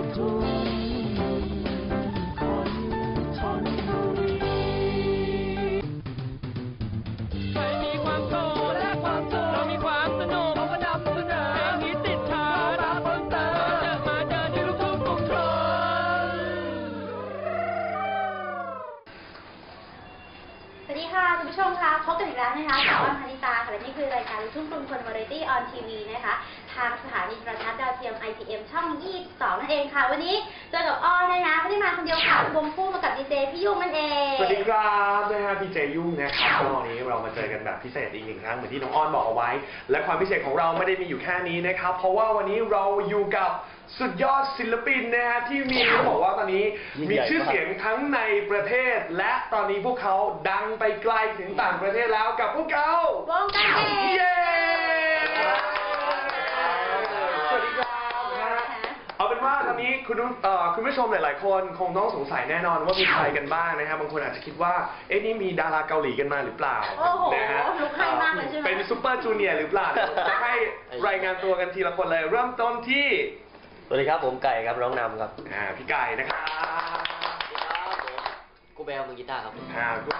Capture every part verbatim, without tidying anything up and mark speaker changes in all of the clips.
Speaker 1: สวัสดีค่ะคุณผู้ชมค่ะพบกันอีกแล้วนะคะกับอ้อนพนิตาค่ะและนี่คือรายการลูกทุ่งกรุงคนวาไรตี้ออนทีวีนะคะทางสถานีโทรทัศน์ดาวเทียม ไอ พี เอ็ม ช่องยี่สิบสองนั่นเองค่ะวันนี้เจอกับอ้อนนะคะไม่ได้มาคนเดียวค่ะรวมคู่มากับดีเจพี่ยุ่งนั่นเอง
Speaker 2: สวัสดีครับนะฮะพี่เจยุ่งนะครับตอนนี้เรามาเจอกันแบบพิเศษอีกหนึ่งครั้งเหมือนที่น้องอ้อนบอกเอาไว้และความพิเศษของเราไม่ได้มีอยู่แค่นี้นะครับเพราะว่าวันนี้เราอยู่กับสุดยอดศิลปินนะฮะที่มีเขาบอกว่าตอนนี้มีชื่อเสียงทั้งในประเทศและตอนนี้พวกเขาดังไปไกลถึงต่างประเทศแล้วกับพวกเขา
Speaker 1: วงการเอง
Speaker 2: เย้สวัสดีครับเอาเป็นว่าตอนนี้คุณคุณผู้ชมหลายๆคนคงต้องสงสัยแน่นอนว่ามีใครกันบ้างนะครับบางคนอาจจะคิดว่าเอ๊ะนี่มีดาราเกาหลีกันมาหรือเปล่า
Speaker 1: นะฮะลุกให้มากเลยใช่ไหม
Speaker 2: เป็นซุปเปอร์จูเนียร์หรือเปล่าจะให้รายงานตัวกันทีละคนเลยเริ่มต้นที่
Speaker 3: สวัสดีครับผมไก่ครับร้องนำครับ
Speaker 2: อ่าพี่ไก่นะครับ
Speaker 3: สวัสดีครับผมกูแบลมือกีตาร์ครับ
Speaker 2: อ่ากู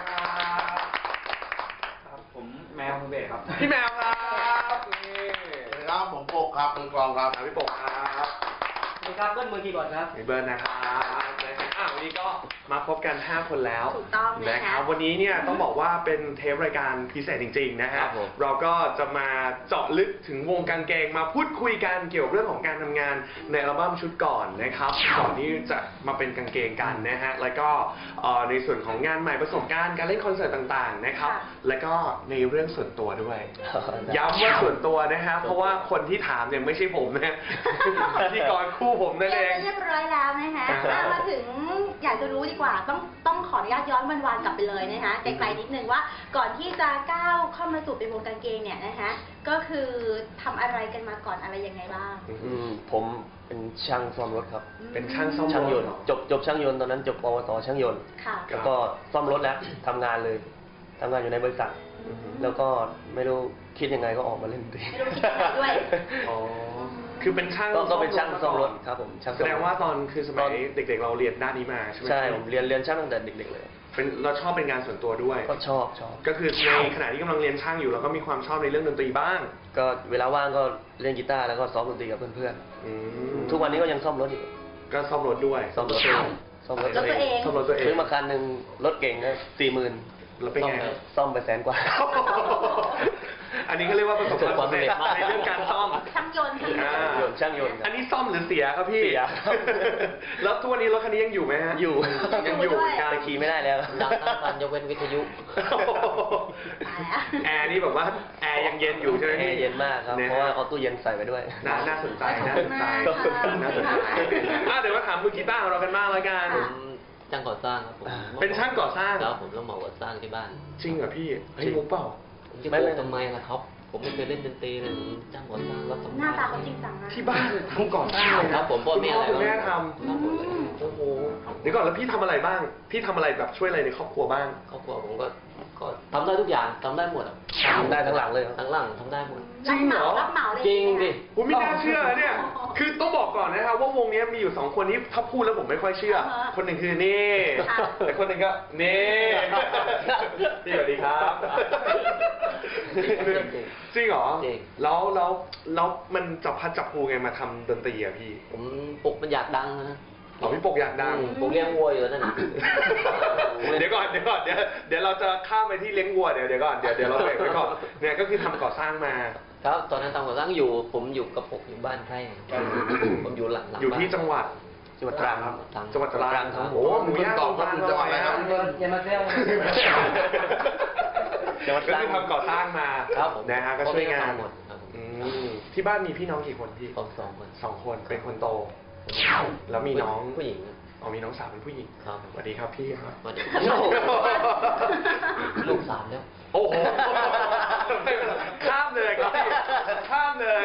Speaker 4: ครับผมแมวมือเบสครับ
Speaker 2: พี่แมวครับ
Speaker 4: สวัสดีครับผมโปกครับมือกลองครับ
Speaker 2: พี่โปกครับ
Speaker 3: สวัสดีครับเบิ้ลมือคีย์บอร์ดครับ
Speaker 2: พี่เบิ้ลนะครับอ่าวันนี้ก็มาพบกันห้าคนแล้ว
Speaker 1: ถูกต้อง
Speaker 2: นะครับวันนี้เนี่ยต้องบอกว่าเป็นเทปรายการพิเศษจริงๆนะฮะเราก็จะมาเจาะลึกถึงวงกางเกงมาพูดคุยกันเกี่ยวกับเรื่องของการทำงานในอัลบั้มชุดก่อนนะครับก่อนที่จะมาเป็นกางเกงกันนะฮะแล้วก็ในส่วนของงานใหม่ประสบการณ์การเล่นคอนเสิร์ตต่างๆนะครับแล้วก็ในเรื่องส่วนตัวด้วยย้ำว่าส่วนตัวนะฮะเพราะว่าคนที่ถามเนี่ยไม่ใช่ผมนะพิธีกรคู่ผมนั่นเอง
Speaker 1: เรียบร้อยแล้วนะคะมาถึงอยากจะรู้ดีกว่าต้องต้องขออนุญาตย้อนวันๆกลับไปเลยนะคะไกลๆนิดนึงว่าก่อนที่จะก้าวเข้ามาสู่เป็นวงกางเกงเนี่ยนะคะก็คือทำอะไรกันมาก่อนอะไรยังไงบ้าง
Speaker 3: อืมผมเป็นช่างซ่อมรถครับ
Speaker 2: เป็นช่างซ่อม
Speaker 3: ช่างยนต์จบจบช่างยนต์ตอนนั้นจบปวสช่างยนต์แล้วก็ซ่อมรถแล้วทำงานเลยทำงานอยู่ในบริษัทแล้วก็ไม่รู้คิดยังไงก็ออกมาเล่นดนตรี
Speaker 1: ไม่รู้คิดยังไงด้วย
Speaker 2: อ๋อคือเป็นช่าง
Speaker 3: ก็เป็นช่างซ่อมรถครับผม
Speaker 2: แสดงว่าตอนคือสมัยเด็กๆเราเรียนด้านนี้มาใช่ไหม
Speaker 3: ใช่ผมเรียนเรียนช่างตั้งแต่เด็กๆเลย
Speaker 2: เป็นเราชอบเป็นงานส่วนตัวด้วย
Speaker 3: ก็ชอบชอบ
Speaker 2: ก็คือในขณะที่กำลังเรียนช่างอยู่เราก็มีความชอบในเรื่องดนตรีบ้าง
Speaker 3: ก็เวลาว่างก็เล่นกีตาร์แล้วก็ซ้อมดนตรีกับเพื่อนๆทุกวันนี้ก็ยังซ่อมรถอยู่
Speaker 2: ก็ซ่อมรถด้วย
Speaker 3: ซ่อมรถตัวเอง
Speaker 1: ซ่อมรถตัวเอง
Speaker 2: ซ่อมรถตัวเอง
Speaker 3: ซื้อมาคันหนึ่งรถเก่งนะสี่หมื่น
Speaker 2: แล้วเป็นไง
Speaker 3: ซ่อมไปแสนกว่า
Speaker 2: อันนี้ก็เรียกว่าประสบความสำเร็จในเรื่องการซ่อม
Speaker 1: ช่างยนต์
Speaker 3: ช่างยนต์
Speaker 2: อันนี้ซ่อมหรือเสียครับพี่เสียแล้วทุกวันนี้รถคันนี้ยังอยู่ไหมฮะ
Speaker 3: อยู่
Speaker 2: ยังอยู่
Speaker 3: แต่ขี่ไม่ได้แล้ว
Speaker 4: ดังทั้งคันยกเว้นวิทยุ
Speaker 2: แอร์นี่แบบว่าแอร์ยังเย็นอยู่ใช่ไหม
Speaker 3: แอร์เย็นมากครับเพราะว่าเอาตู้เย็นใส่ไปด้วย
Speaker 2: น่าน่าสนใจน่าสนใจน่าสนใจเดี๋ยวมาถามมือกีตาร์ของเรากันบ้างแล้วกัน
Speaker 4: ช่างก่อสร้างครับผม
Speaker 2: เป็นช่างก่อสร้าง
Speaker 4: แล้วผมต้องมาก่อสร้างที่บ้าน
Speaker 2: จริงเหรอพี่เฮ้ยมุกเปล่า
Speaker 4: ผมจะโกงทำไมล่ะครับผมไม่เคยเล่นดนตรีเลยจ้างก่อสร้างรับสมัคร
Speaker 1: หน้าตาเขาจริงจังนะ
Speaker 2: ที่บ้านทำก่อสร้างเลย
Speaker 4: ครับผมพ่อแม่อะไร
Speaker 2: คุณแม่ทำ
Speaker 4: ทำหมดเลย
Speaker 2: โอ้โหเดี๋ยวก่อนแล้วพี่ทำอะไรบ้างพี่ทำอะไรแบบช่วยอะไรในครอบครัวบ้าง
Speaker 4: ครอบครัวผมก็ก็ทำได้ทุกอย่างทำได้หมดอ่ะ
Speaker 3: ทำได้ทั้งหลังเลย
Speaker 4: ทั้งหลังทำได้หมด
Speaker 2: จริงเหรอ
Speaker 4: จริงดิ
Speaker 2: ผมไม่น่าเชื่อเนี่ยคือต้องบอกก่อนนะครับว่าวงนี้มีอยู่สองคนที่ถ้าพูดแล้วผมไม่ค่อยเชื่อคนหนึ่งคือนี่แต่คนหนึ่งก็นี่สวัสดีครับจริงเหรอแล้วแล้วแล้วมันจับพัดจับผูไงมาทำดนตรีอะพี่
Speaker 4: ผมปลุกมันอยากดังนะ
Speaker 2: อ๋อพี่ปกอยากดัง
Speaker 4: ผมเลี้ยงวัวอยู่นั่น
Speaker 2: เดี๋ยวก่อนเดี๋ยวก่อนเดี๋ยวเดี๋ยวเราจะข้ามไปที่เลี้ยงวัวเดี๋ยวเดี๋ยวก่อนเดี๋ยวเดี๋ยวเราเบรกไว้ก่อนเนี่ยก็คือทำก่อสร้างมา
Speaker 4: ครับตอนนั้นทำก่อสร้างอยู่ผมอยู่กับผมอยู่บ้านไร่ผมอยู่หลัง
Speaker 2: อยู่ที่จังหวัด
Speaker 3: จังหวัดตรังครับ
Speaker 2: จังหวัดตรังครับโอ้หมูย่างตอบรับจังหวัดอะไรครับ
Speaker 4: อย่ามาเซล
Speaker 2: จังหวัดตรังก็คือทำก่อสร้างมานะฮะก็ช่วยงานที่บ้านมีพี่น้องกี่คนพี่
Speaker 4: สองสองคน
Speaker 2: สองคนเป็นคนโตแล้วมีน้อง
Speaker 4: ผู้หญิง
Speaker 2: อ๋อมีน้องสาวเป็นผู้หญิง
Speaker 4: ครับ
Speaker 2: สวัสดีครับพี่ครับ
Speaker 4: สวัสดีลูกสามแล้ว
Speaker 2: โอ้โหข้ามเลยครับพี่ข้ามเลย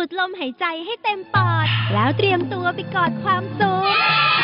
Speaker 5: ดลมหายใจให้เต็มปอด แล้วเตรียมตัวไปกอดความสุข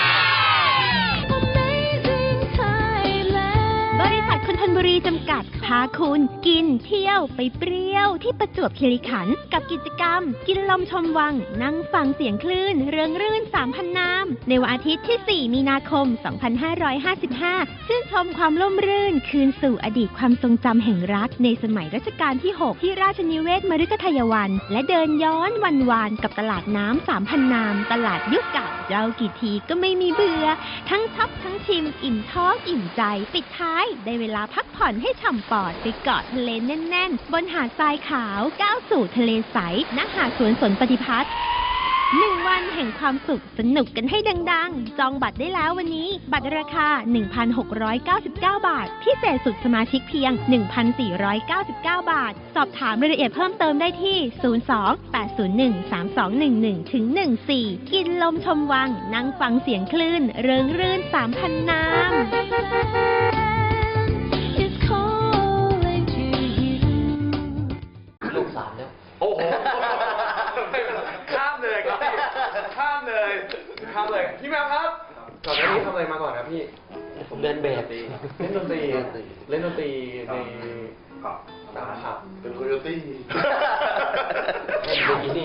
Speaker 5: บริษัทคนทนบุรีจำกัดพาคุณกินเที่ยวไปเปรี้ยวที่ประจวบคีรีขันธ์กับกิจกรรม กินลมชมวัง นั่งฟังเสียงคลื่น เรืองรื่น สามพัน น้ำในวันอาทิตย์ที่ สี่ มีนาคม สองพันห้าร้อยห้าสิบห้า ชื่นชมความร่มรื่น คืนสู่อดีตความทรงจำแห่งรักในสมัยรัชกาลที่ หก ที่ราชนิเวศมฤคทายวัน และเดินย้อนวันวานกับตลาดน้ำ สามพัน น้ำตลาดยุคเก่าเรากี่ทีก็ไม่มีเบื่อ ทั้งช็อปทั้งชิมอิ่มท้องอิ่มใจปิดท้ายได้เวลาพักผ่อนให้ฉ่ำปอดไปเกาะทะเลแน่นๆ บนหาดทรายขาวก้าวสู่ทะเลใสณหาดสวนสนปฏิพัฒน์หนึ่งวันแห่งความสุขสนุกกันให้ดังๆ จองบัตรได้แล้ววันนี้ บัตรราคา หนึ่งพันหกร้อยเก้าสิบเก้า บาท พิเศษสุดสมาชิกเพียง หนึ่งพันสี่ร้อยเก้าสิบเก้า บาท สอบถามรายละเอียดเพิ่มเติมได้ที่ ศูนย์ สอง แปด ศูนย์ หนึ่ง สาม สอง หนึ่ง หนึ่ง ถึง หนึ่ง สี่ กินลมชมวัง นั่งฟังเสียงคลื่น เริงรื่น สามพัน น้ำ
Speaker 4: ลูกสามแล้ว
Speaker 2: โอ้โหไม่เป็นไรข้ามเลยครับพี่ข้ามเลยข้ามเลยพี่แมวครับก่อนหน้านี้ทำอะไรมาก่อนครับพี่
Speaker 4: ผมเดินแบบ
Speaker 2: เล่นดนตรีเล่นดนตรีในตามผับ
Speaker 6: เป็นโคโยตี้
Speaker 4: เล่นบิกินี่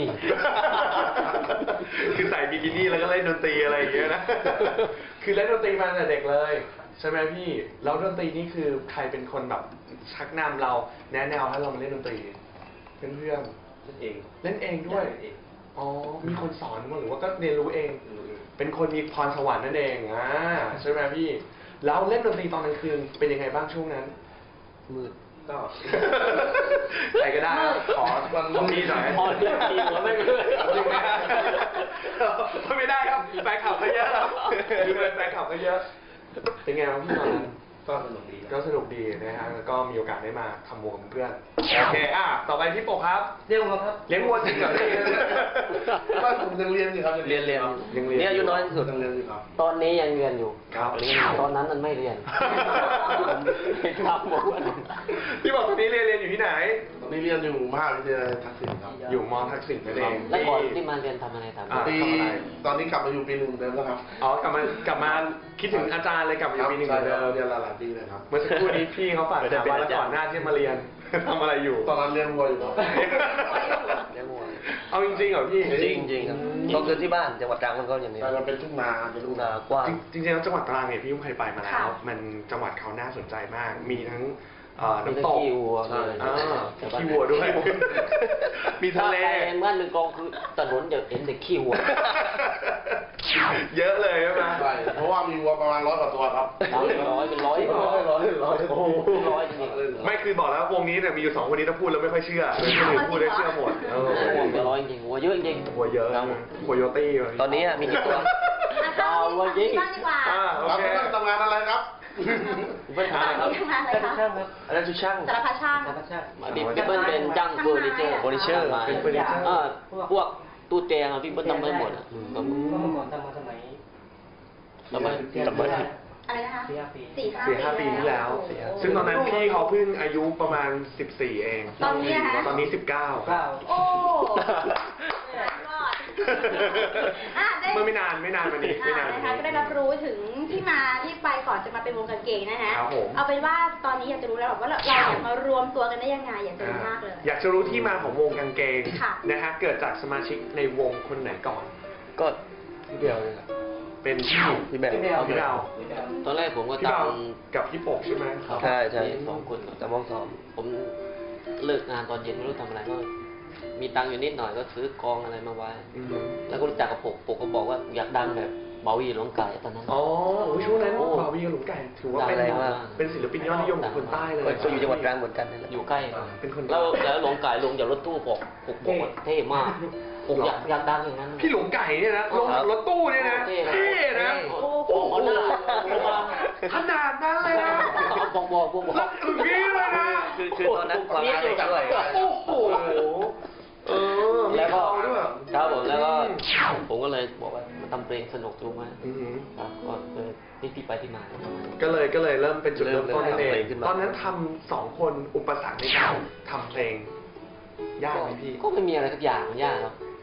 Speaker 2: คือใส่บิกินี่แล้วก็เล่นดนตรีอะไรอย่างเงี้ยนะคือเล่นดนตรีมาตั้งแต่เด็กเลยใช่ไหมพี่แล้วดนตรีนี่คือใครเป็นคนแบบชักนำเราแนะแนวให้เรามาเล่นดนตรีเพื่อนเพื่อน
Speaker 6: เล่นเอง
Speaker 2: เล่นเองด้วย
Speaker 6: เล่นเอง
Speaker 2: อ๋อมีคนสอนมั้งหรือว่าก็เรียนรู้เอง เป็นคนมีพรสวรรค์นั่นเองอ่าใช่ไหมพี่แล้วเล่นดนตรีตอนกลางคืนเป็นยังไงบ้างช่วงนั้น
Speaker 4: มืด
Speaker 6: ก็
Speaker 2: ใครก็ได้ครับขอวันนี้หน่อย
Speaker 4: พอเรียกทีหัวไม่เมื่อย
Speaker 2: จริงไหมฮะไม่ได้ครับแฟนคลับเขาเยอะครับแฟนคลับเขาเยอะ เป็นไงบ้างพี่ตอนนั้น
Speaker 6: ก็สนุกดี
Speaker 2: ก็สนุกดีนะฮะแล้วก็มีโอกาสได้มาทำวงกับเพื่อนโอเคอ่ะต่อไปพี่ปกครับ
Speaker 6: เรียกว่าครับ
Speaker 2: เลี้ยงวัวจริงเหรอ
Speaker 6: บ้านผมยังเรียนอยู่ครับ
Speaker 4: เรียนเรียน
Speaker 2: ยังเรียน
Speaker 4: เนี่ยอายุน้อยที่สุด
Speaker 6: ยังเรียนอยู่ครับ
Speaker 4: ตอนนี้ยังเรียนอยู่
Speaker 2: ครับ
Speaker 4: เรียนตอนนั้นมันไม่เรียนครับผม
Speaker 2: พี่บอกตอนนี้เรียนเรียนอยู่ที่ไหน
Speaker 6: ตอนนี้เรียนอยู่มหาวิทยาลัยทักษิณครับ
Speaker 2: อยู่มอทักษิณนั่นเอง
Speaker 4: แล้วก่อนที่มาเรียนทำอะไรทำ
Speaker 2: อ่า
Speaker 6: ปี
Speaker 2: ทำอะไร
Speaker 6: ตอนนี้กลับมาอยู่ปีหนึ่งเดิมแล้วครับ
Speaker 2: อ๋อกลับมากลับมาคิดถึงอาจารย์เลยกลับมาอยู่ปีหนึ่งเหมือนเดิม
Speaker 6: เรียนหลายๆปีเลยครับ
Speaker 2: เมื่อสักครู่นี้พี่เขาฝากถามว่าแล้วก่อนหน้าที่มาเรียน ทำอะไรอยู่
Speaker 6: ตอนนั้นเรียนวัวอยู่ครับ
Speaker 4: เรียนมวย
Speaker 2: เอาจริงๆเหรอพี่
Speaker 3: จริงจริงๆครับก็คือที่บ้านจังหวัดตรังมันก็อย่างนี้
Speaker 6: แต่มันเป็นทุ่งนาเป็น
Speaker 3: ลู
Speaker 6: ทุ่
Speaker 3: ก
Speaker 6: ง
Speaker 3: นา
Speaker 6: นา
Speaker 3: กว้าง
Speaker 2: จริงๆแล้วจังหวัดตรังเนี่ยพี่ยุ่งเคยไปมาแล้ว
Speaker 1: ค่ะ
Speaker 2: มันจังหวัดเขาน่าสนใจมาก มีทั้งเอ่อ
Speaker 4: มี
Speaker 2: น้ำ
Speaker 4: ทั้
Speaker 2: ต
Speaker 4: ง
Speaker 2: ก
Speaker 4: ขี้วัว
Speaker 2: อ่า
Speaker 4: มี
Speaker 2: อ่า
Speaker 4: แต่ว่า
Speaker 2: ขี้วัวด้วย มีทะเล
Speaker 4: ถ้าไปบ้านหนึ่งกองคือถนนจะเห็นแต่ขี้วัว
Speaker 2: เยอะเลยใช่ไหม
Speaker 6: ใช่เพราะว่ามีวัวประมาณร้อยกว่าตัวครับ
Speaker 4: ร้อยเป็นร้อยเป็นร้อย
Speaker 6: ร้อยร้อยร้อยโอ้โห
Speaker 4: ร้อยจริงๆ
Speaker 2: ไม่คือบอกแล้ววงนี้เนี่ยมีอยู่สองคนนี้ถ้าพูดแล้วไม่ค่อยเชื่อเลยคนอื่นพูดได้เชื่อหมดเออ
Speaker 4: วัวเป็นร้อยจริงๆวัวเยอะจริง
Speaker 2: หัวเยอะหัวโยตี้เลย
Speaker 3: ตอนนี้อะมีกี่ตัว
Speaker 1: อ่ะเข้าที่บ้านดีกว่า
Speaker 2: อ่าโอ
Speaker 6: ครับ
Speaker 2: เค
Speaker 6: พี่ทำงานอะไรครับ
Speaker 4: ไม่ทำอะไรครับ
Speaker 1: ทำงานอะไรคะ
Speaker 3: ช่างครับอันนั้นชุดช่าง
Speaker 1: สารพัดช่าง
Speaker 4: พี่เปิ้ลเป็นจ้างเฟอร์นิเจอร์
Speaker 3: เฟอร์นิเจอร์
Speaker 4: มา
Speaker 2: เป็นเฟอร์นิเจอร์
Speaker 4: เออพวกตู้เตียงอะพี่เปิ้ลทำได้หมดอะผม
Speaker 7: ก็เมื่อก่อนทำมาสมัย
Speaker 4: ทำไม
Speaker 2: จำไม่ได้
Speaker 1: อะไรนะคะ
Speaker 7: สี่ห้าปี
Speaker 1: สี่ห้า
Speaker 2: สี่ห้าปีที่แล้ว
Speaker 1: โอ้โห
Speaker 2: ซึ่งตอนนั้นพี่เขาเพิ่งอายุประมาณสิบสี่เอง
Speaker 1: ตอนนี้อะคะ
Speaker 2: ตอนนี้สิบเก้า
Speaker 7: เก้า
Speaker 1: โอ้รอดอ่ะได้
Speaker 2: เมื่อไม่นานไม่นานมานี้ไม่นาน
Speaker 1: อ่ะ
Speaker 2: มา
Speaker 1: นะคะ
Speaker 2: นี้
Speaker 1: ก็ได้รับรู้ถึงที่มาที่ไปก่อนจะมาเป็นวงกางเกงนะคะ
Speaker 2: ครับผม
Speaker 1: เอาเป็นว่าตอนนี้อยากจะรู้แล้วว่าเราเราอยากมารวมตัวกันได้ยังไงอยากจะรู้มากเลย
Speaker 2: อยากจะรู้ที่มาของวงกางเกง
Speaker 1: ค่ะ
Speaker 2: นะฮะเกิดจากสมาชิกในวงคนไหนก่อน
Speaker 3: ก็พี่เบลเลยครับ
Speaker 2: เป็นพี่
Speaker 3: พี่แบล
Speaker 2: เอาพี่เบา
Speaker 4: ตอนแรกผมก็
Speaker 2: พี่
Speaker 4: ตา
Speaker 2: เบาม กับพี่ปกใช่ไหม
Speaker 3: ใช่ใช่
Speaker 4: สองคน
Speaker 3: แต่มองซ้อม
Speaker 4: ผมเลิกงานตอนเย็นไม่รู้ทำอะไรก็มีตังค์อยู่นิดหน่อยก็ซื้อกองอะไรมาไว้
Speaker 2: อืม
Speaker 4: แล้วก็รู้จักกับปกปกก็บอกว่าอยากดังแบบเบาหยีหลวงไก่ตอนนั้น
Speaker 2: อ๋อโอ้ยช่วงนั้น
Speaker 4: โอ้
Speaker 2: บาวีกับหลุมไก่ถือว่าเป็น
Speaker 3: ดังแรงมาก
Speaker 2: เป็นศิลปินยอดนิยมของคนใต้เลย
Speaker 3: ก็อยู่จังหวัดตรังเหมือนกันนั่นแหละ
Speaker 4: อยู่ใกล้
Speaker 2: เป็นคน
Speaker 4: แล้วแล้วหลวงไก่ลงจากรถตู้ปกปกปกเท่มากปกอยากอยากดังอย่างนั้น
Speaker 2: พี่หลุมไก่เนี่ยนะลงรถตู้เนี่ยนะ
Speaker 4: เท่
Speaker 2: เท่นะ
Speaker 4: โอ้โหเอาหน้าเอามา
Speaker 2: ขนาดนั้นเลยนะ
Speaker 4: เอาบอกบอกบอกบอก
Speaker 2: แล้วอย่างนี้เลยนะ
Speaker 3: คือคือตอนนั้นความรักด้วย
Speaker 2: โอ้โหเออมี
Speaker 4: แล้วก็
Speaker 2: เขาด้วย
Speaker 4: ครับผมแล้วก็ผมก็เลยบอกว่ามาทำเพลงสนุกดูไหม
Speaker 2: อือหือ
Speaker 4: ครับก็เลยที่ที่ไปที่มาประมาณนั้น
Speaker 2: ก็เลยก็เลยเริ่มเป็นจุดเริ่มต้นนั่นเอ
Speaker 3: เริ่
Speaker 2: ง
Speaker 3: มทำเพลงขึ้นมา
Speaker 2: ตอนนั้นทำสองคนอุปสรรคในการทำเพลงยากไหมพี่
Speaker 4: ก็ไม่มีอะไรสักอย่างมันยากครับ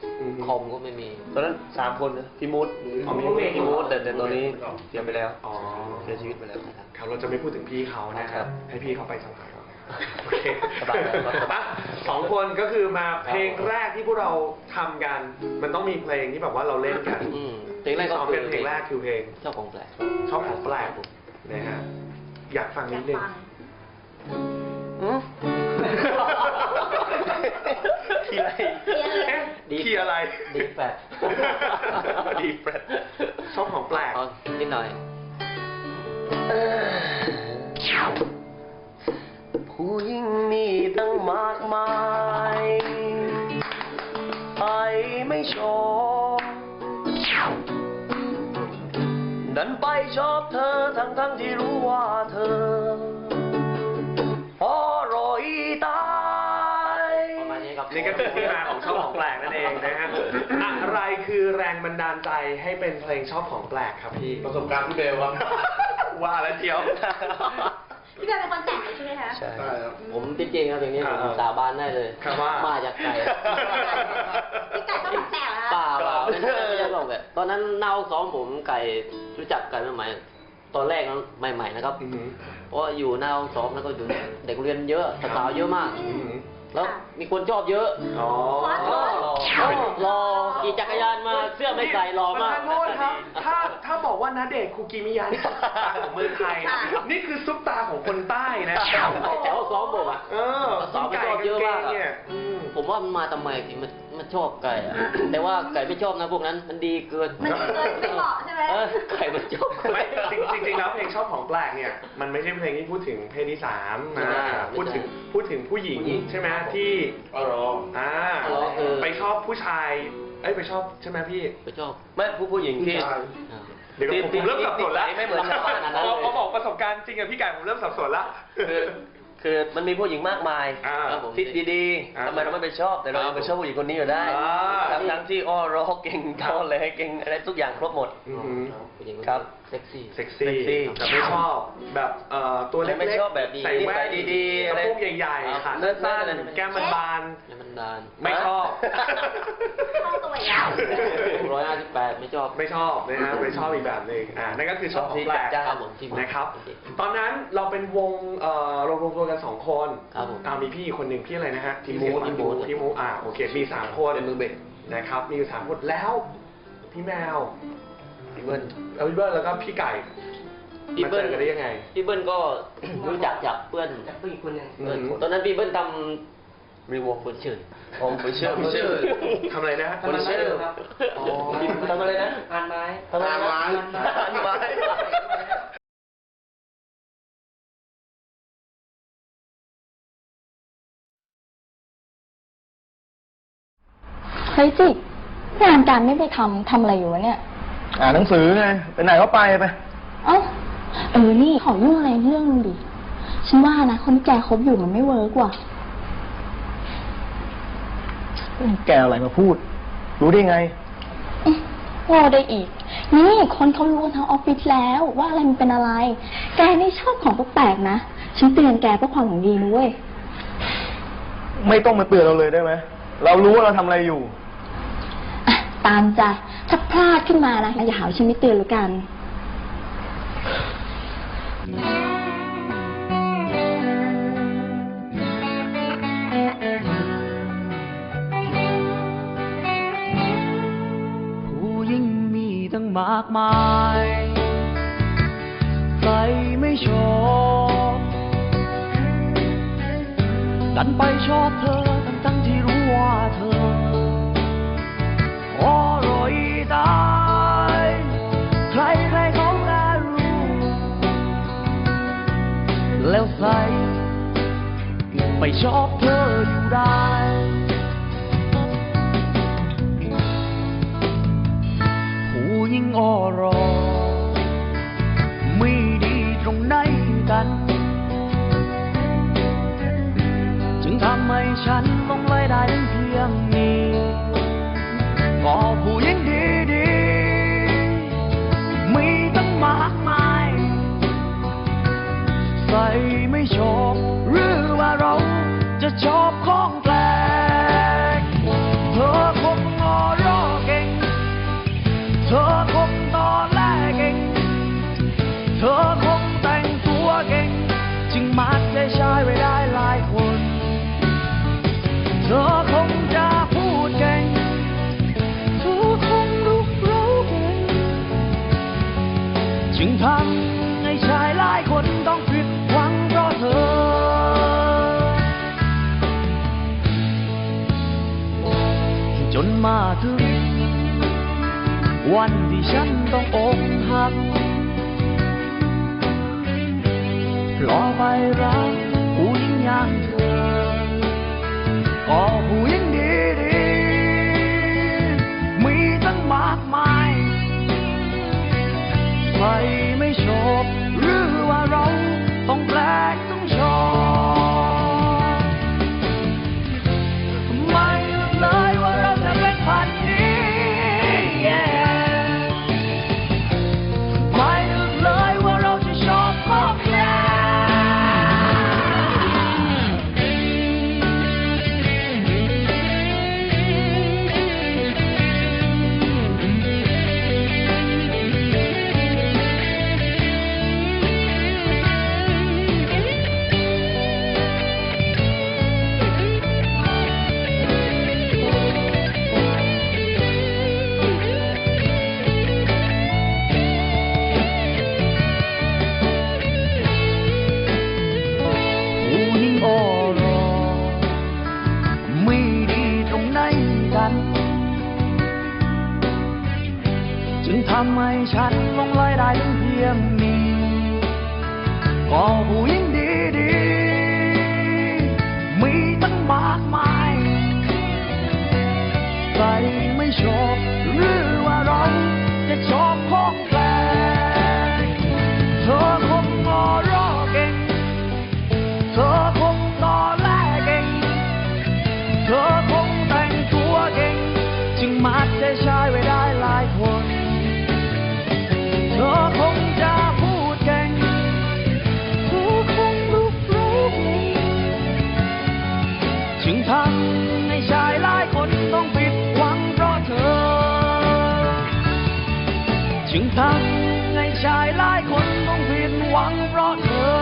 Speaker 2: อืม
Speaker 4: คอมก็ไม่มี
Speaker 3: ตอนนั้นสามคนนะพี่มูด
Speaker 2: อ๋อมี
Speaker 3: พี่มูดแต่แต่ตอนนี้เสียไปแล้ว
Speaker 2: อ๋อ
Speaker 3: เสียชีวิตไปแล้ว
Speaker 2: ครับเราจะไม่พูดถึงพี่เขานะค
Speaker 3: ครั
Speaker 2: รับ
Speaker 3: บ
Speaker 2: ให้พี่เขาไปสบายก่อนโอเค
Speaker 3: สบายครับสบาย
Speaker 2: อ่ะสองคนก็คือมาเพลงแรกที่พวกเราทำกัน มันต้องมีเพลงที่แบบว่าเราเล่นกัน
Speaker 4: อืมเพลงแรกก็
Speaker 2: ซ้อม
Speaker 4: คื
Speaker 2: กันเพลงแรกคือเพลง
Speaker 4: ชอบของแปลก
Speaker 2: ชอบของแปลกนะฮะอยากฟัง
Speaker 1: อยา
Speaker 2: นิ
Speaker 1: ก
Speaker 2: ดนึง
Speaker 1: ฟัง
Speaker 3: ทีไร
Speaker 2: เอ๊ะคีย์อะไร
Speaker 4: ดีแปด
Speaker 2: ดีแฟลตชอบของแปลก
Speaker 4: เอานิดหน่อย
Speaker 3: ผู้หญิงมีตั้งมากมายใครไม่ชอบดันไปชอบเธอทั้งทั้งที่รู้ว่าเธออร่อยตาย
Speaker 4: ประมาณนี้ครับ
Speaker 2: นี่ก็คือที่มาของชอบของแปลกนั่นเองนะฮะอะไรคือแรงบันดาลใจให้เป็นเพลงชอบของแปลกครับพี่
Speaker 6: ประสบการณ์พี่เบลครับ
Speaker 2: ว่าแล้วเจียว
Speaker 1: พี่แบร์เป็นคนแต่งเลยใช่ไหมคะ
Speaker 3: ใช่
Speaker 6: ใช่ครับ
Speaker 4: ผมจริงๆครับอย่างนี้ผม
Speaker 2: อ่า
Speaker 4: สาบานได้เลย
Speaker 2: ครับว่า
Speaker 4: มาจากไก่
Speaker 1: พี่ไก่ต้องแต่งแล้ว
Speaker 4: เปล่าเปล่าไม่ใช่ไม่ใช่หรอกแบบตอนนั้นเน่าซ้อมผมไก่รู้จักไก่ใหม่ๆตอนแรกนั้นใหม่ๆนะครับ
Speaker 2: อือหือ
Speaker 4: เพราะว่าอยู่เน่าซ้อมแล้วก็อยู่เด็กเรียนเยอะสาวๆเยอะมาก
Speaker 2: อือหือ
Speaker 4: แล้วมีคนชอบเยอะ
Speaker 2: อ๋อ
Speaker 4: รอรอขี่จักรยานมาเสื้อไม่ใส่รอมาก
Speaker 2: ประธานโทษครับ ถ้าถ้าบอกว่านาเดชน์คุกิมิยะนี่ซุปตาของเมืองไทย นี่คือซุปตาของคนใต้นะ
Speaker 4: แต่ว่าซ้อมผมอ่ะ
Speaker 2: เออ
Speaker 4: สาวๆ
Speaker 2: ไก่
Speaker 4: ชอบเยอะมาก
Speaker 2: งๆเนี่ย
Speaker 4: อะ
Speaker 2: อืม
Speaker 4: ผมว่ามันมาทำไมถึงมันมันชอบไก่อะแต่ว่าไก่ไม่ชอบนะพวกนั้นมันดีเกิน
Speaker 1: มันเกินไม่เหมาะใช่ไหม
Speaker 4: เออไก่มันชอบ
Speaker 2: ไม่จริงจริงๆแล้วเพลงชอบของแปลกเนี่ย มันไม่ใช่เพลงที่พูดถึงเพศที่สามนะ
Speaker 4: ไม่ได้
Speaker 2: พูดถึงพูดถึงผู้หญิงใช่ไหมที่
Speaker 6: อ๋อเหรอ
Speaker 2: อ่า
Speaker 4: อ๋อเออ
Speaker 2: ไปชอบผู้ชาย เอ้ยไปชอบใช่ไหมพี่
Speaker 4: ไปชอบ
Speaker 3: ไม่ผู้ผู้หญิงที่
Speaker 6: ผู้ชาย
Speaker 4: อ่า
Speaker 2: เดี๋ยวผมผมเริ่มสับสนแล้ว
Speaker 3: ไม่เหมือนชาวบ้านอันนั้นเลย
Speaker 2: เขาบอกประสบการณ์จริงกับพี่ไก่ผมเริ่มสับสนแล้ว
Speaker 3: คือคือมันมีผู้หญิงมากมาย
Speaker 2: อ่า
Speaker 4: ครับผม
Speaker 3: ที่ดี
Speaker 2: อ่า
Speaker 3: ๆทำไมเราไม่ไปชอบแต่เรายังไปชอบผู้หญิงคนนี้อยู่ได้
Speaker 2: อ่า
Speaker 3: ทั้งทั้งที่อ้อร้องเก่งเท่าเลยเก่งอะไรทุกอย่างครบหมด
Speaker 2: อือหือ
Speaker 4: ผู้หญิง
Speaker 3: ครับ
Speaker 4: เซ็กซี่
Speaker 2: เซ็กซี่
Speaker 3: เซ็กซี่
Speaker 2: แต่ไม่ชอบแบบเอ่อตัวเล็กๆ
Speaker 3: ไม่ชอบแบบ
Speaker 2: ใส่แว่น
Speaker 3: ดีๆ
Speaker 2: ก
Speaker 3: อะไร
Speaker 2: ระโปรงใหญ่ๆขาสั้นๆแก้มมันบาน
Speaker 4: แล้วมันดาน
Speaker 2: ไม่ชอบ
Speaker 1: เข้าตัวแล้ว
Speaker 4: ร้อยห้าสิบแปดไม่ชอบ
Speaker 2: ไม่ชอบนะฮะไม่ชอบอีกแบบหนึ่งอ่านั่นก็คือชอบของแปลก
Speaker 4: ครับผมที่มา
Speaker 2: นะครับ
Speaker 4: โอเค
Speaker 2: ตอนนั้นเราเป็นวงเอ่อเรารวมตัวกันสองคน
Speaker 4: ครับผม
Speaker 2: อ่ามีพี่อีกคนหนึ่งพี่อะไรนะฮะ
Speaker 4: พี่มูด
Speaker 2: พี่มูดพี่มูดอ่าโอเคมีสามคน
Speaker 3: เป็นมือเบส
Speaker 2: นะครับ มีอยู่สามคนแล้ว พี่แมว
Speaker 3: พี่เบิ้ล
Speaker 2: เอาพี่เบิร์ดแล้วก็พี่ไก่
Speaker 4: พี่
Speaker 2: มา
Speaker 4: เบิ้
Speaker 2: เจ
Speaker 4: ล
Speaker 2: อกันได้ยังไง
Speaker 4: พี่เบิ้ลก็ รู้จักจากเพื่อน
Speaker 3: จากผู้หญิงคนหนึ่ง
Speaker 2: อืม
Speaker 4: ตอนนั้นพี่เบิ้ลท
Speaker 3: รีวง
Speaker 4: ำคนชื่อ
Speaker 3: ผมไปเชื่อผมเชื่อ
Speaker 2: ทำอะไรนะ
Speaker 3: คนเชื่อ
Speaker 2: อ๋อ
Speaker 3: ทำอะไรนะ
Speaker 7: อ่านไม้
Speaker 3: ทำอะไรนะ
Speaker 6: อ่านไม้
Speaker 3: อ่านไม้
Speaker 8: เฮ้ยจิงานการไม่ไปทำทำอะไรอยู่วะเนี่ย
Speaker 9: อ่านหนังสือไง ไปไหนก็ไปไป
Speaker 8: เอ้า เออ นี่ขอเรื่องอะไรเรื่องนึงดิ ฉันว่านะ คนที่แกคบอยู่มันไม่เวิร์กว่ะ
Speaker 9: แกอะไรมาพูด รู้ได้ไง
Speaker 8: อื้อว่าได้อีก นี่คนเขารู้กันทั้งออฟฟิศแล้วว่าอะไรมันเป็นอะไร แกนี่ชอบของแปลกๆนะ ฉันเตือนแกเพื่อความหวังดีนะเว้ย
Speaker 9: ไม่ต้องมาเตือนเราเลยได้ไหม เรารู้ว่าเราทำอะไรอยู่
Speaker 8: อ่ะ ตามใจ ถ้าพลาดขึ้นมานะอย่าหาว่าฉันไม่เตือนแล้วกัน
Speaker 7: ผู้หญิงมีตั้งมากมาย ใครไม่ชอบดันไปชอบเธอทั้งทั้งที่รู้ว่าเธออร่อยตายใครใครเขาก็รู้ แล้วใส่ไปชอบเธออยู่ได้ ผู้หญิงอรอไม่ดีตรงไหนกัน จึงทำให้ฉันลงไหลได้ถึงเพียงนี้ก็ผู้หญิงดีๆมีตั้งมากมาย ใส่ไม่ชอบหรือว่าเราจะชอบของแปลกเธอคงงอมาถึงวันที่ฉันต้องอกหักรอไปรักผู้หญิงอย่างเธอก็ผู้หญิงดีๆมีตั้งมากมายใครไม่ชอบหรือว่าเราต้องแปลกต้องชอบไม่รู้เลยว่าเราจะเป็นพันนี้ yeah ไม่รู้เลยว่าเราจะชอบพบแล้ทำให้ฉันลงลอยได้ถึงเพียงนี้ก็ผู้หญิงดีๆมีตั้งมากมายใครไม่ชอบหรือว่าเราจะชอบของแปลกเธอคงงอรอเก่งเธอคงตอแหลเก่งเธอคงแต่งตัวเก่งจึงมัดใจชายไว้ได้หลายคนเธอคงจะพูดเก่งเธอคงลุกรู้จึงทำให้ชายหลายคนต้องผิดหวังเพราะเธอจึงทำให้ชายหลายคนต้องผิดหวังเพราะเธอ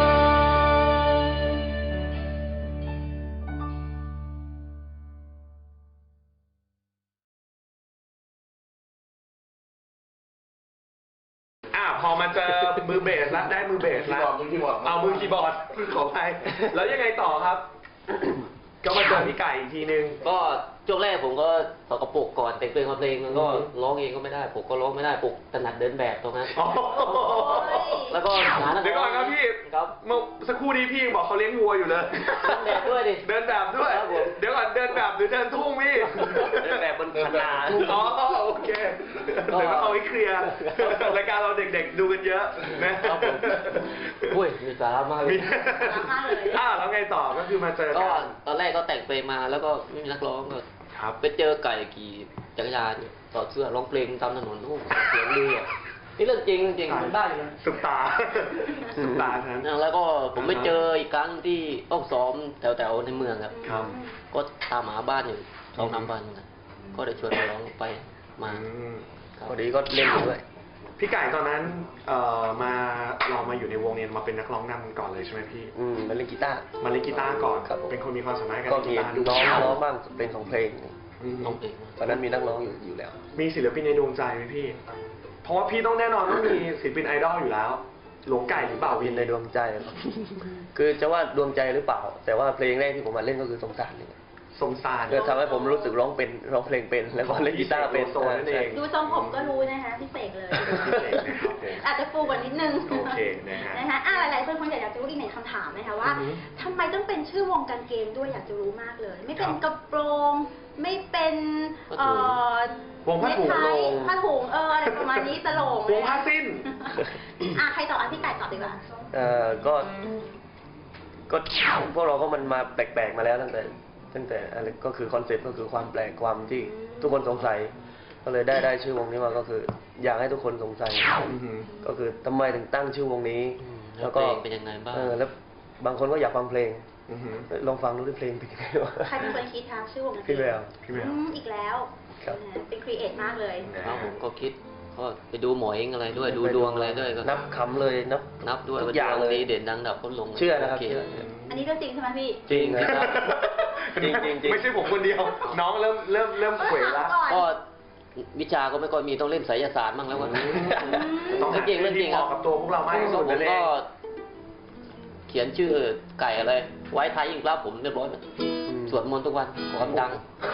Speaker 2: พอมาเจอมือเบสแล้วได้มือเบสแล้ว
Speaker 6: มือคีย์บอร์ด
Speaker 2: เอามือคีย์บอร์ดขอไปแล้วยังไงต่อครับ ก็มาเจอพี่ไก่อีกทีนึง
Speaker 4: ก็ช่วงแรกผมก็สกปรกก่อนแต่งเพลงมาเพลงมันก็ร้องเองก็ไม่ได้ผมก็ร้องไม่ได้ปลุกถนัดเดินแบบตรงนั้นแล้วก็หานักร้อง
Speaker 2: เดี๋ยวก่อนครับพี่
Speaker 4: ครับ
Speaker 2: เมื่อสักครู่นี้พี่บอกเขาเลี้ยงวัวอยู่เลย
Speaker 4: เดินแบบด้วยดิ
Speaker 2: เดินแบบด้วยเดี๋ยวก่อนเดินแบบหรือเดินทุ่งพี่
Speaker 4: เดินแบบบนคันนา
Speaker 2: อ๋อโอเคเดี๋ยวก็เอาไว้เคลียร์รายการเราเด็กๆดูกันเยอะนะครับผม
Speaker 4: อุ้ยมีสาระมากเลย
Speaker 2: อ้าวแล้วไงต่อก็คือมาเจอ
Speaker 4: ก็
Speaker 2: กัน
Speaker 4: ตอนแรกก็แต่งเพลงมาแล้วก็ไม่มีนักร้องก็ไปเจอไก่ขี่จักรยานต่อเสื้อร้องเพลงตามถนนโอ้เสียงดีอ่ะนี่เรื่องจริงจริงมันได้เลย
Speaker 2: สุดตาสุดตาครับ
Speaker 4: แล้วก็ผมไปเจออีกครั้งที่ต้องซ้อมแถวๆในเมืองครับ
Speaker 2: ครับ
Speaker 4: ก็ตามหาบ้านอยู่สองสามวันก็ได้ชวนน้องไปมา
Speaker 3: พอดีก็เล่นด้วย
Speaker 2: พี่ไก่ตอนนั้นเอ่อมาเรามาอยู่ในวงเนี้มาเป็นนักร้องนำก่อนเลยใช่ไหมพี่
Speaker 3: อืมมาเล่นกีตาร์
Speaker 2: มาเล่นกีตาร์ก่อนเป็นคนมีความสามารถการเล่นกีตาร์
Speaker 3: ร้องร้องบ้างเป็นของเพลง
Speaker 4: น้องเพลง
Speaker 3: ตอนนั้นมีนักร้องอยู่อยู่แล้ว
Speaker 2: มีศิลปินในดวงใจไหมพี่เพราะว่าพี่ต้องแน่นอนต้องมีศิลปินไอดอลอยู่แล้วหลวงไก่หรือเปล่า
Speaker 3: วินในดวงใจคือจะว่าดวงใจหรือเปล่าแต่ว่าเพลงแรกที่ผมมาเล่นก็คือสงสารนี่
Speaker 2: สงสาร
Speaker 3: ก็ทำให้ผมรู้สึกร้องเป็นร้องเพลงเป็นแล้วก็เล่นกีตาร์เป็น
Speaker 2: โซนนั่นเอง
Speaker 1: ดูทรงผมก็รู้นะคะพี่เสกเลยอาจจะฟูกว่านิดนึง
Speaker 2: โอเคนะฮะ
Speaker 1: นะคะอ่ะหลายๆคนคงอยากจะรู้อีกหนึ่งคำถามนะคะว่าทำไมต้องเป็นชื่อวงกางเกงด้วยอยากจะรู้มากเลยไม่เป็นกระโปรงไม่เป็นเอ่อ
Speaker 2: วงผ้าถุง
Speaker 1: ผ้าถุงเอออะไรประมาณนี้ตลก
Speaker 2: วงผ้าสิ้น
Speaker 1: อ่ะใครตอบอ่ะพี่ไก่ตอบดีกว่า
Speaker 3: เอ่อก็ก็พวกเราก็มันมาแปลกๆมาแล้วตั้งแต่ตั้งแต่อะไรก็คือคอนเซ็ปต์ก็คือความแปลกความที่ทุกคนสงสัยก็เลยได้ได้ชื่อวงนี้มาก็คืออยากให้ทุกคนสงสัยก็คือทำไมถึงตั้งชื่อวงนี้
Speaker 4: แล้วก็เป็นยังไงบ้าง
Speaker 3: เออแล้วบางคนก็อยากฟังเพลงลองฟังดูด้วยเพลงเป็นยังไงวะ
Speaker 1: ใครเป็นคนคิดคะชื่อวง
Speaker 3: พี่แวว
Speaker 2: พี่แวว
Speaker 1: อีกแล้วเป็นครีเอทมากเลย
Speaker 4: ครับผมก็คิดก็ไปดูหมอเองอะไรด้วยดูดวงอะไรด้วยก็
Speaker 3: นับคำเลยนับ
Speaker 4: นับด้วยอย่างดีเด่นดังดับก็ลง
Speaker 3: เชื่อนะครับ
Speaker 1: อันนี้เรื่องจริงใช่ไหมพี่
Speaker 3: จริงครับจริงจริง
Speaker 2: ไม่ใช่ผมคนเดียวน้องเริ่มเริ่มเริ่มเขวแล้ว
Speaker 4: ก็วิชาก็ไม่ค่อยมีต้องเล่นไสยศาสตร์บ้างแล้วว่า
Speaker 2: ต้องเก่งเรื่องจริงครับกับตัวพวกเรามากที่สุด
Speaker 4: เลยก็เขียนชื่อไก่อะไรไว้ท้ายยิ่งรับผมเรียบร้อยสวดมนต์ทุกวันความดัง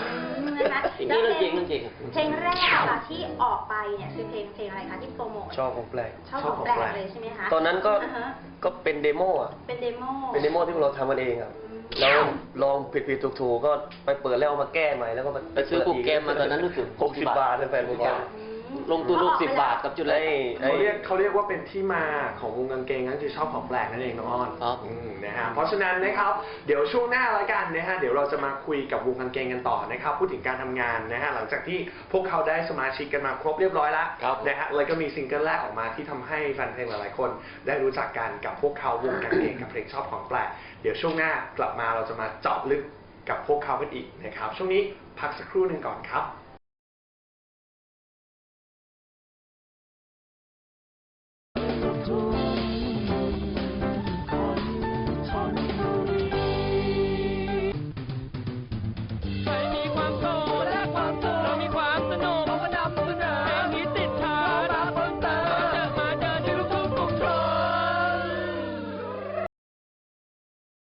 Speaker 1: นะคะ
Speaker 4: จริงๆ
Speaker 1: แล้ว
Speaker 4: เรื่อง
Speaker 1: เพ
Speaker 4: จ
Speaker 1: ล
Speaker 4: ริ
Speaker 1: ง
Speaker 4: งเรื่องจริง
Speaker 1: เพลงแรกอะที่ออกไปเนี่ยคือเพลงเพลงอะไรคะที่โปรโมท
Speaker 3: ชอบของแปลก
Speaker 1: ชอบของแปลกเลยใช่ไหมคะ
Speaker 3: ตอนนั้นก็
Speaker 1: าฮะ
Speaker 3: ก็เป็นเดโมอ่ะ
Speaker 1: เป็นเดโม
Speaker 3: เป็นเดโมที่พวกเราทำกันเองครับ แล้วลองผิดผิดถูกถูกๆก็ไปเปิดแล้วเอามาแก้ใหม่แล้วก็มา
Speaker 4: ไปซื้อโปรแกรมมาตอนนั้นรู้สึก
Speaker 3: หกสิบบาทเป็นแฟนโปรแกรม
Speaker 4: ลงทุนลูกสิบบาทกับจุดแรก
Speaker 3: ไอ้
Speaker 2: เขาเรียกเขาเรียกว่าเป็นที่มาของวงกางเกงนั่นคือชอบของแปลกนั่นเองน้องอ้อน
Speaker 4: ครับ
Speaker 2: อืมนะฮะเพราะฉะนั้นนะครับเดี๋ยวช่วงหน้าละกันนะฮะเดี๋ยวเราจะมาคุยกับวงกางเกงกันต่อนะครับพูดถึงการทำงานนะฮะหลังจากที่พวกเขาได้สมาชิกกันมาครบเรียบร้อยแล้ว
Speaker 4: ครับ
Speaker 2: นะฮะแล้วก็มีซิงเกิลแรกออกมาที่ทำให้แฟนเพลงหลายๆคน ได้รู้จักกันกับพวกเขาวงกางเกงกับเพลงชอบของแปลกเดี๋ยวช่วงหน้ากลับมาเราจะมาเจาะลึกกับพวกเขากันอีกนะครับช่วงนี้พักสักครู่หนึ่งก่อนครับ